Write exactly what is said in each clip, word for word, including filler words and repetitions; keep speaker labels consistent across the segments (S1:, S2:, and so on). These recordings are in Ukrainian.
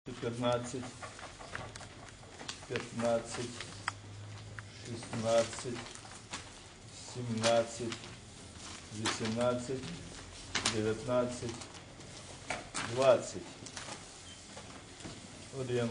S1: четырнадцать, пятнадцать, шестнадцать, семнадцать, восемнадцать, девятнадцать, двадцать. Один,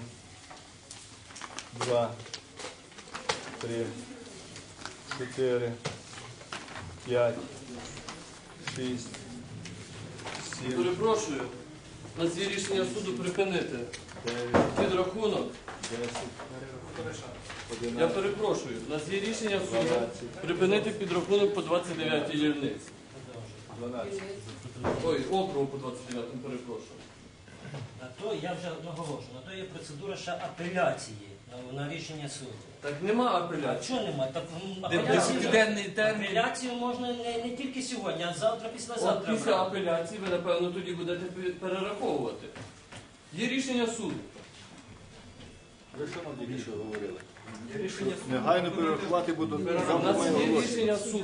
S1: два, три, четыре, п'ять, шість, сім.
S2: Перепрошую, на ці рішення суду припинити.
S1: дев'ять,
S2: Підрахунок.
S1: десять,
S2: Я
S1: одинадцять,
S2: перепрошую, на ці рішення суду
S1: дванадцять,
S2: припинити підрахунок по двадцять дев'ятій дільниці.
S1: дванадцять.
S2: Ой, округу по двадцять дев'ятому, перепрошую.
S3: На то я вже наголошую, на то є процедура ще апеляції на, на рішення суду.
S2: Так нема
S3: А
S2: апеляції.
S3: чого немає? Так м, апеляцію,
S2: Десятиденний термін.
S3: апеляцію можна не, не тільки сьогодні, а завтра,
S2: От
S3: післязавтра.
S2: після апеляції ви, напевно, тоді будете пе- перераховувати. Є рішення суду.
S1: Ви що нам тільки що говорили?
S2: Рішення
S1: Негайно перерахувати буду.
S2: У нас є рішення суду.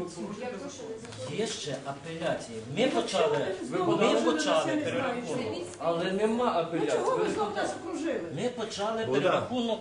S3: Є ще апеляції. Ми почали,
S2: Ви
S3: ми
S2: подали?
S3: почали перерахунок.
S2: Але нема апеляції.
S4: Чого ви
S2: Ви-
S4: знов нас окружили?
S3: Ми почали
S1: Богдан.
S3: перерахунок.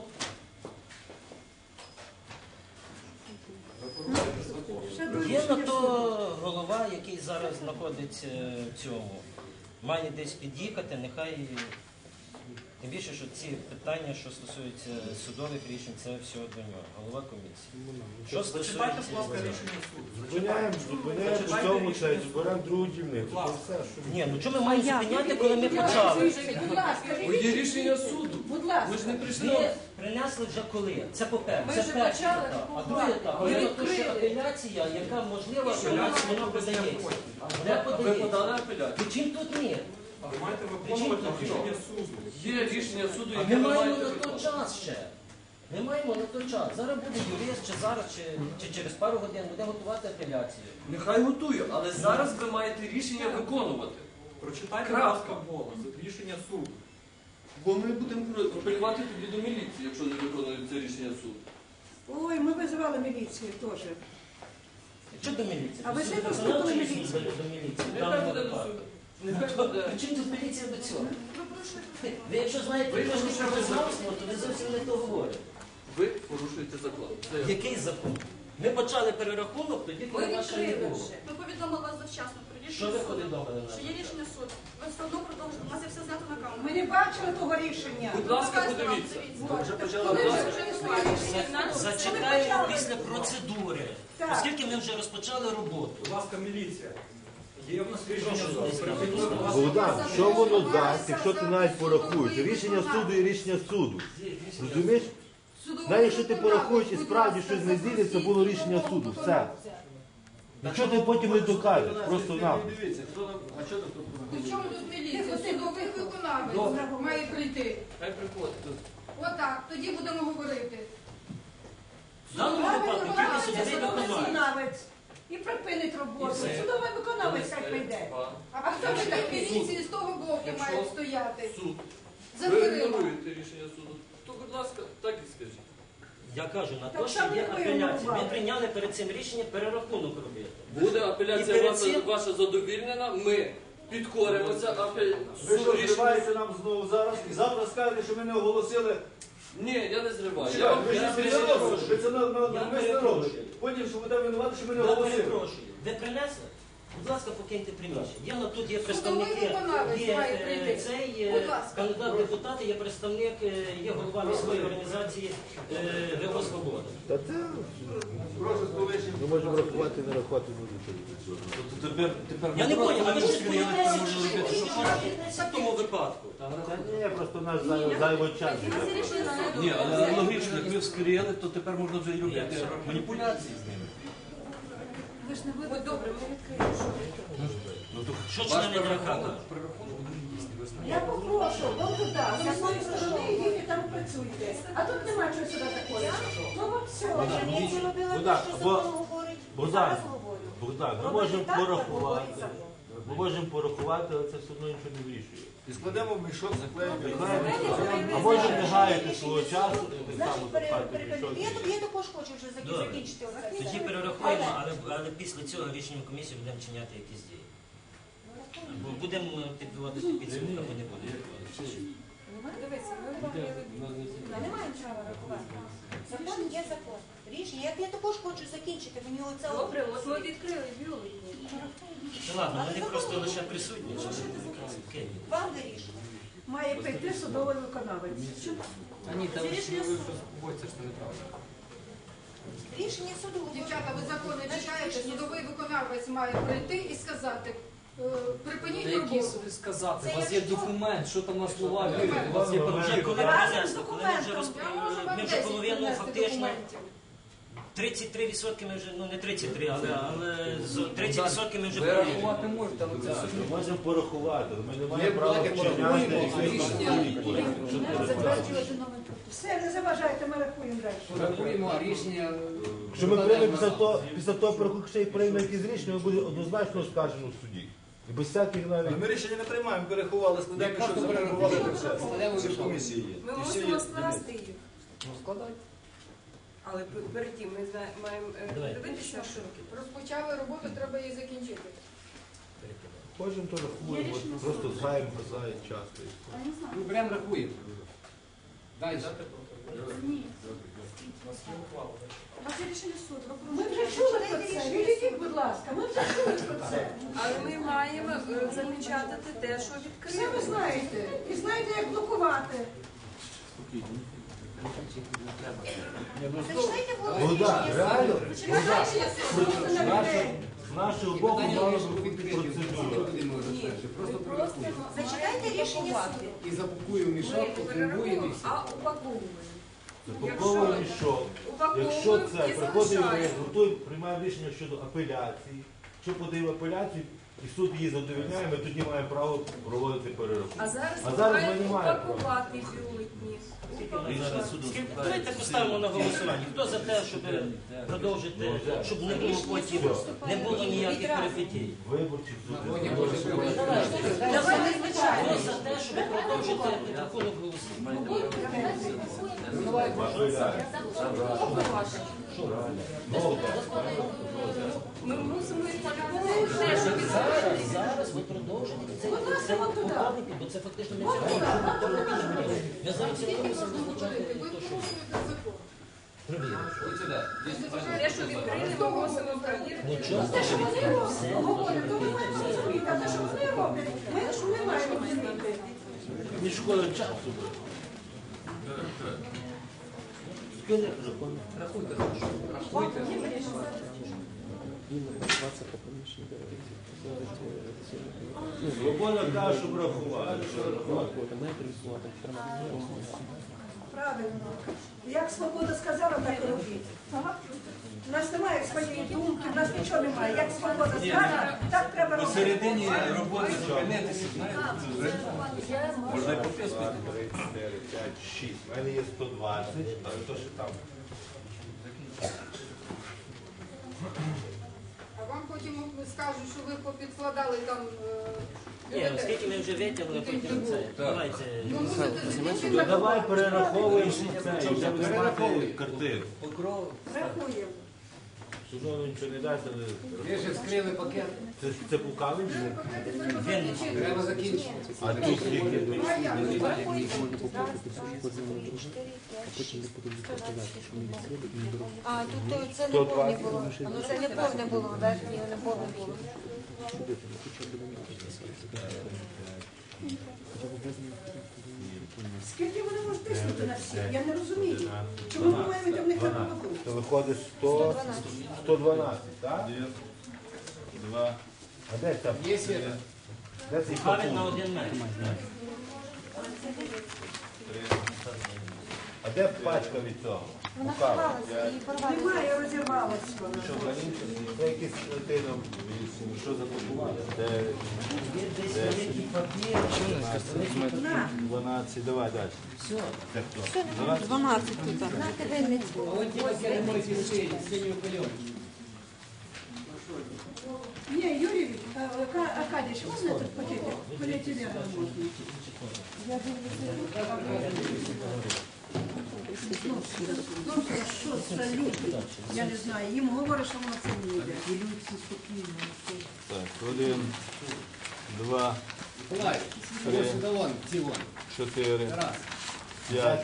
S3: Є на то голова, який зараз знаходиться в цьому. Має десь під'їхати, нехай. Тим більше, що ці питання, що стосуються судових рішень, це все до нього, голова комісії. Що стосується
S5: Зупиняємо, зупиняємо по цьому цей, зберемо другу дільницю. Це все, що
S3: ні, ну чому ми маємо зупиняти, коли ми почали?
S4: Будь ласка,
S2: О, Є рішення суду.
S4: будь
S2: Ми
S4: ласка.
S2: ж не прийшли.
S3: Ви принесли вже коли? Це по-перше.
S4: Ми
S3: Це
S4: вже
S3: перший
S4: почали
S3: етап. А
S4: купувати.
S3: другий етап,
S4: Ми
S3: є на то ще
S4: відкрили.
S3: апеляція, яка можлива, що у нас вона подається. Де
S2: А ви
S3: подається?
S2: подали апеляцію?
S3: Причин тут ні. Причин тут ні.
S2: Є рішення суду,
S3: А
S2: яке
S3: ми
S2: ви
S3: маємо
S2: маєте
S3: на той
S2: виконати.
S3: час ще. Ми маємо на той час. Зараз буде юрист, чи зараз, чи, чи через пару годин буде готувати апеляцію.
S2: Нехай готую, але зараз ви маєте рішення виконувати.
S6: Прочитайте,
S2: Крапка.
S6: будь ласка, голос, рішення суду.
S2: Бо ми будемо апелювати тоді до міліції, якщо не виконується рішення суду.
S4: Ой, ми визивали міліцію теж.
S3: Що до міліції?
S4: А ви
S3: До
S4: ж не
S3: суду
S4: послухали
S3: виконавчої
S4: міліцію?
S3: служби до міліції. в
S2: Нехай
S3: даному
S2: буде до
S3: випадку.
S2: суду. Нехай буде.
S3: При чому тут міліція до цього? Ви якщо знаєте трошки про визнавство, то ви зовсім не то говорите.
S2: Ви порушуєте закон. Це я.
S3: Який закон? Ми почали перерахунок, тоді
S7: Ми
S3: коли наша не
S7: відкрили
S3: було.
S7: вже. Ми повідомили вас завчасно про
S3: Що
S7: рішення
S3: ви
S7: суду.
S3: повідомили
S7: Що
S3: нас?
S7: є рішення суду. Ви все одно продовжуєте. У нас є все знято на камеру.
S4: Ми не бачили того рішення.
S2: Будь ласка,
S7: Показуйте вам,
S2: подивіться.
S7: дивіться.
S4: Вже
S7: Коли ви вже не своє рішення?
S3: Зачекаємо після процедури,
S4: Так.
S3: оскільки ми вже розпочали роботу.
S6: Будь ласка, міліція. Є в нас рішення
S3: Прошу,
S6: суду.
S3: десь
S6: Припиніть, будь ласка.
S5: Богдан, що воно дасть, якщо ти навіть порахуєш? Рішення суду і рішення суду. Розумієш? Навіть якщо ти порахуєш і справді щось не зійдеться, було рішення суду. Все. Нічого ти потім не докажеш, просто нам.
S1: Дивіться, хто нам, а що там тут?
S8: При чому тут міліція? Судовий виконавець має прийти.
S2: Хай приходить.
S8: Отак, тоді будемо говорити.
S3: В даному випадку тільки
S4: Виконавець,
S3: судовий
S4: судовий
S3: виконавець.
S4: виконавець. І припинить роботу.
S2: І все.
S4: Судовий виконавець хай прийде.
S2: Два.
S8: А хто ви так міліції з того боку
S2: Якщо
S8: має стояти?
S2: Суд.
S8: За
S2: Ви
S8: дверима.
S2: ігноруєте рішення суду. То, будь ласка, так і скажіть.
S3: Я кажу, на
S4: Так
S3: те, що
S4: там
S3: є
S4: не ви
S3: апеляція. Ми
S4: винували.
S3: прийняли перед цим рішення перерахунок робити.
S2: Буде
S3: І
S2: апеляція
S3: перед
S2: ваша,
S3: цим-
S2: ваша задовільнена, ми підкоримося апель...
S1: Ви що,
S2: суд рішення.
S1: зриваєте нам знову зараз і завтра скажете, що ми не оголосили.
S2: Ні, я не зриваю. Я
S1: Чекайте,
S2: вам
S1: ви ж
S3: я
S1: це не
S3: перепрошую.
S1: робите, ви це на- на-
S3: Я
S1: навмисно
S3: перепрошую.
S1: робите. Потім, що будемо винувати, що ми не
S3: Я
S1: оголосили.
S3: перепрошую. Ви принесли? Будь ласка, покиньте приміщення. Є на тут є представники,
S8: виконавець
S3: є
S8: має
S3: е,
S8: прийти.
S3: цей е,
S8: Будь ласка.
S3: кандидат в депутати, є представник, е, є голова міської організації е, ВО «Свобода».
S5: Та це
S1: Прошу з повищенням.
S5: ми можемо рахувати, не рахувати будемо.
S6: Тепер, тепер
S3: Я не поняв, а ви щось
S6: я не
S3: боїтеся,
S6: можу
S3: що
S6: робити, що
S3: що боїтеся в тому випадку?
S5: Та ні, просто наш зай- зайвий час.
S7: У нас є рішення суду.
S6: Ні, але логічно, як ви вскрили, то тепер можна вже і робити маніпуляції з ними.
S8: Ви ж не будете добре, ми відкриємо.
S6: Ну, то
S3: Що
S6: ваш
S3: члени ДРХ
S6: перерахунок,
S3: кажуть?
S6: перерахунок буде дійсний, ви знаєте.
S4: Я попрошу, вон туди, з якої сторони йдіть і там працюйте. А тут нема чого сюди такого. Ну от все.
S5: Богдан, бо- Богдан, Богдан, ми можемо порахувати. Ми можемо порахувати, але це все одно нічого не вирішує.
S1: І складемо в мішок, заклеїмо.
S5: А можемо не гаяти свого часу, так само запхати в мішок.
S9: Я, я також хочу вже закі-
S3: Добре.
S9: закінчити оце
S3: Тоді
S9: все.
S3: перерахуємо, але, але після цього рішенням комісії будемо чиняти якісь дії. Бо будемо підбивати підсумки, або не будемо підбивати.
S4: Ми не маємо права рахувати.
S9: Закон є закон. Рішення. Я, я також хочу закінчити. Мені оце от-
S7: Добре, от ми відкрили бюлетні.
S3: Ну, ладно, вони просто лише присутні. Окей.
S9: вам вирішувати.
S4: Має прийти судовий виконавець.
S6: А ні, там
S9: Це рішення суду.
S6: боїться, що неправда.
S9: Рішення суду.
S8: Дівчата, ви закони читаєте, судовий виконавець має прийти і сказати, е, припиніть
S6: Та які
S8: роботу.
S6: собі сказати?
S9: Це
S6: У вас є
S9: якщо-
S6: документ, що там на словах, у вас є
S3: Вже
S6: папір.
S3: коли
S4: Разом
S3: принесли,
S4: з
S3: коли ми вже
S4: документом.
S3: роз...
S8: Я можу вам
S3: ми вже
S8: десять
S3: половину
S8: принести
S3: фактично,
S8: документів.
S3: тридцять три відсотки ми вже, ну не тридцять три, але, але з- тридцять відсотків ми вже
S6: Ви
S3: провели.
S6: рахувати можете, але це
S5: Так,
S6: собі.
S5: Ми можемо порахувати, але ми не маємо
S6: Ми
S5: права
S6: так
S5: вчиняти
S6: порахуємо, а
S5: якісь
S6: рішення-
S5: відповіді. Що порахувати?
S4: Все, не заважайте, ми рахуємо далі.
S6: Рахуємо, а рішення...
S5: Якщо ми приймемо після того, після того, порахунку, ще й приймемо якісь рішення, ми буде однозначно оскаржено в суді. І без всяких навіть...
S1: Але ми рішення не приймаємо, переховали, складемо, що запропонували це все.
S6: Складемо
S1: Це ж комісії є.
S7: Ми
S1: І всі
S7: мусимо
S1: є
S7: скласти їх.
S6: Ну, складайте.
S7: Але п- перед тим ми зна- маємо е,
S3: Давай.
S7: дивитися, що
S8: Розпочали роботу, треба її закінчити.
S5: Кожен то рахуємо, от просто згаємо глаза і часто.
S6: Ми прям рахуємо. Далі.
S7: у вас є рішення суду.
S4: Ми вже чули про це. Відійдіть, будь ласка, ми вже чули про це.
S7: Але ми маємо е, замічати те, що
S4: Все ви
S7: відкрили.
S4: знаєте. І знаєте, як блокувати.
S9: Зачитайте голову
S5: Богдан,
S9: рішення
S5: реально?
S9: суду.
S4: Рішення суду на людей.
S5: З нашого боку мала бути процедура.
S6: Просто перерахуємо.
S9: Зачитайте рішення суду.
S6: І запакуємо мішок, упакуємо і все.
S7: А упаковуємо.
S5: Запаковуємо мішок. Якщо це приходить, ми готуємо, приймаємо рішення щодо апеляції. Якщо подаємо апеляцію і суд її задовольняє, ми тоді маємо право проводити перерахунок.
S7: А зараз
S5: А
S7: ми
S5: зараз ми
S7: маємо
S5: не маємо права.
S7: упакувати бюлетні.
S3: Скільки- Давайте поставимо на голосування. Хто за те, щоб продовжити, щоб не було потім, не було ніяких перипетій?
S5: Виборчі суди.
S3: Давайте хто за те, щоб продовжити рахунок голосування?
S5: Апеляція.
S7: Ми мусимо по-любому те, що
S3: Зараз, зараз ви продовжите це, це поправники, бо це фактично не закон. Я зараз це комісію визначати,
S8: Ви
S3: то що
S8: порушуєте закон.
S7: те, що відкрили, ми мусимо перевірити.
S3: нічого.
S4: Те, що вони роблять, говорять, то ми маємо розуміти. А те, що вони роблять, ми ж не маємо розуміти.
S5: Ні шкода часу.
S6: Рахуйте, рахуйте.
S5: Свобода каже, щоб рахувати.
S4: Правильно. Як свобода сказала, так і робіть. У нас немає своєї думки, у нас нічого немає. Як свобода скаже, так треба робити.
S1: Посередині роботи зупинитися, знаєте, це вже можна і пописувати.
S5: три, чотири, п'ять, шість. У мене є сто двадцять, але то ще там.
S8: А вам потім скажуть, що ви попідкладали там... е,
S3: Ні, оскільки ми вже витягли, потім це. Давайте.
S8: Ви мусите закінчити.
S5: Ну, давай перераховуємо це, і вже будемо мати картину.
S6: Покров.
S4: Рахуємо.
S5: Судовно нічого не дасть, але
S6: Ви ж вскрили пакет.
S5: це, це пукавий?
S6: Треба закінчити.
S5: А тут скільки?
S9: А, тут то це не
S5: сто
S9: повне
S5: двадцять.
S9: було. Ну це не повне було, так? Ні, не повне було.
S4: Скільки вони можуть тиснути на всіх? Я не розумію. Чому ми маємо йти в них на поводу?
S5: То виходить сто, сто дванадцять, так?
S1: Два.
S5: А де там?
S6: Є світа?
S5: Де цей
S3: Павін на
S5: пакунок?
S3: один метр.
S5: А де пачка від цього?
S9: Вона
S5: Пукавий.
S9: порвалася, її порвали.
S4: Немає, розірвалося вона.
S5: Що, раніше? Це якийсь латином, що за пакунок? Де
S3: Є десь великий папір.
S4: На.
S5: дванадцять, давай далі.
S3: Все.
S5: Це хто?
S9: дванадцять тут. На Вінницьку.
S6: Вон ті пакети мої сині, синьою пальонкою.
S4: Ні, Юрій, а, Ка- Аркадійович, можна этот пакетик? Поліетилен можна. Я Ну, що це люди? Я не знаю. Їм говорять, що воно це не йде.
S5: Так, один, два,
S6: Давай, ось сюди вон, ці вон.
S5: чотири,
S6: Раз.
S5: П'ять.